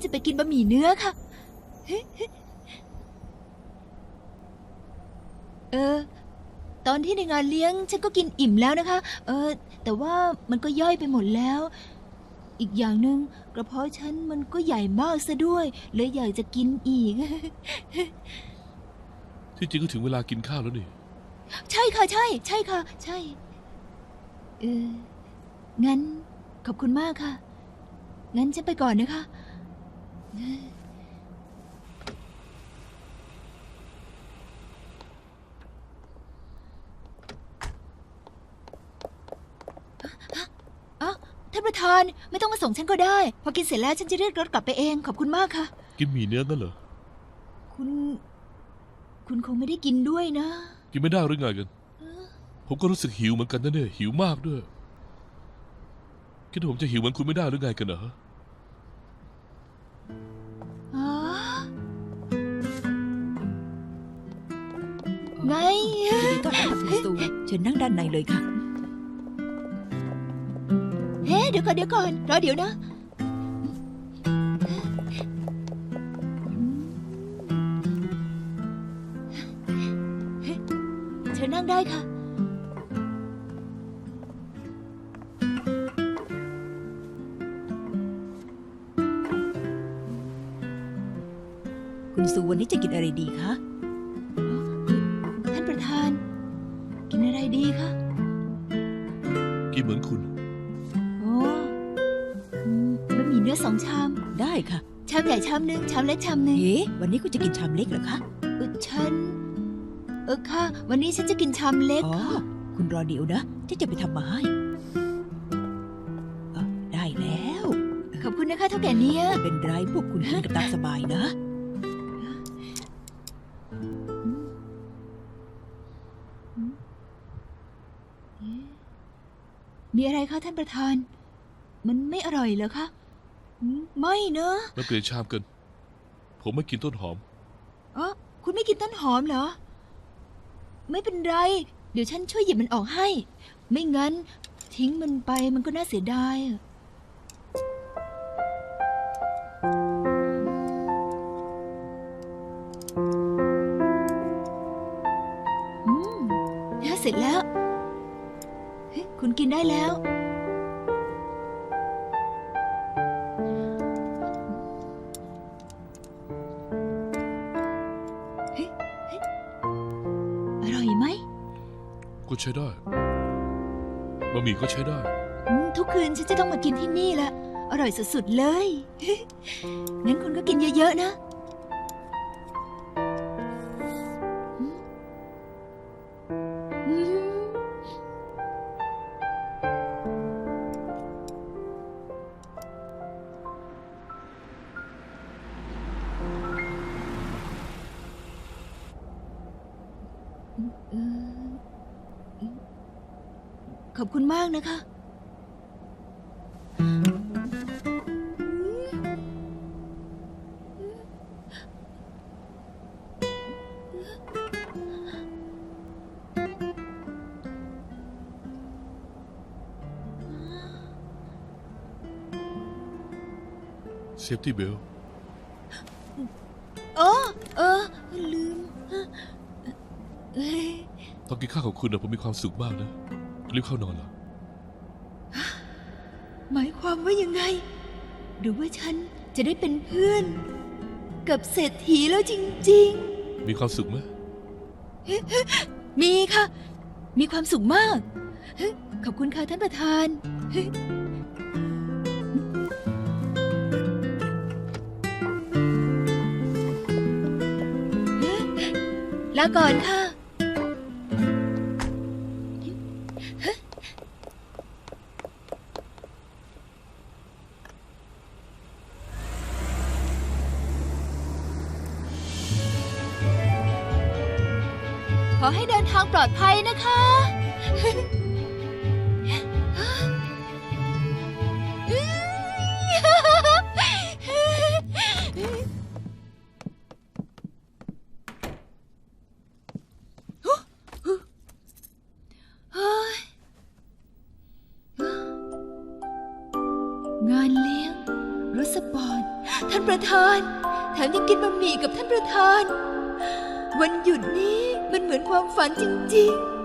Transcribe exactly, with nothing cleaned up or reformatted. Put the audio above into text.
ไปกินบะหมี่เนื้อค่ะเออตอนที่ในงานเลี้ยงฉันก็กินอิ่มแล้วนะคะเออแต่ว่ามันก็ย่อยไปหมดแล้วอีกอย่างหนึ่งกระเพาะฉันมันก็ใหญ่มากซะด้วยเลยอยากจะกินอีกที่จริงก็ถึงเวลากินข้าวแล้วนี่ใช่ค่ะใช่ใช่ค่ะใช่เอองั้นขอบคุณมากค่ะงั้นฉันไปก่อนนะคะอ๋อท่านประธานไม่ต้องมาส่งฉันก็ได้พอกินเสร็จแล้วฉันจะเรียกรถกลับไปเองขอบคุณมากค่ะกินหมี่เนื้อนั่นเหรอคุณคุณคงไม่ได้กินด้วยนะกินไม่ได้หรือไงกันผมก็รู้สึกหิวเหมือนกันนะเนี่ยหิวมากด้วยคิดว่าผมจะหิวเหมือนคุณไม่ได้หรือไงกันเหรออ๋อไงยินดีต้อนรับคุณซูเชิญนั่งด้านในเลยค่ะเฮ้เดี๋ยวก่อนเดี๋ยวก่อนรอเดี๋ยวนะเชิญนั่งได้ค่ะคุณซูวันนี้จะกินอะไรดีคะท่านประธานกินอะไรดีคะกินเหมือนคุณโอ้บะหมี่เนื้อสองชามได้ค่ะชามใหญ่ชามหนึ่งชามเล็กชามหนึ่งเอ๊ะวันนี้คุณจะกินชามเล็กเหรอคะเออฉันเออค่ะวันนี้ฉันจะกินชามเล็กอ๋อคุณรอเดี๋ยวนะฉันจะไปทำมาให้ได้แล้วขอบคุณนะคะเท่าแก่เนี้ยไม่เป็นไรพวกคุณกินกับตามสบายนะมีอะไรคะท่านประธานมันไม่อร่อยเหรอคะไม่เนอะมันเปลี่ยนชามกันผมไม่กินต้นหอมอ๋อคุณไม่กินต้นหอมเหรอไม่เป็นไรเดี๋ยวฉันช่วยหยิบมันออกให้ไม่งั้นทิ้งมันไปมันก็น่าเสียดายอืมเสร็จแล้วคุณกินได้แล้วอร่อยไหมก็ใช้ได้บะหมี่ก็ใช้ได้ทุกคืนฉันจะต้องมากินที่นี่แหละอร่อยสุดๆเลยงั้นคุณก็กินเยอะๆนะขอบคุณมากนะคะเซฟตี้เบลอ๋อเออลืมตอนกินข้าวของคุณนะผมมีความสุขมากนะรีบเข้านอนเหรอหมายความว่ายังไงหรือว่าฉันจะได้เป็นเพื่อนกับเศรษฐีแล้วจริงๆมีความสุขไหมมีค่ะมีความสุขมากขอบคุณค่ะท่านประธานลาก่อนค่ะขอให้เดินทางปลอดภัยนะคะงานเลี้ยงรถสปอร์ต ท่านประธาน แถมยังกินบะหมี่กับท่านประธาน วันหยุดนี้มันเหมือนความฝันจริงๆ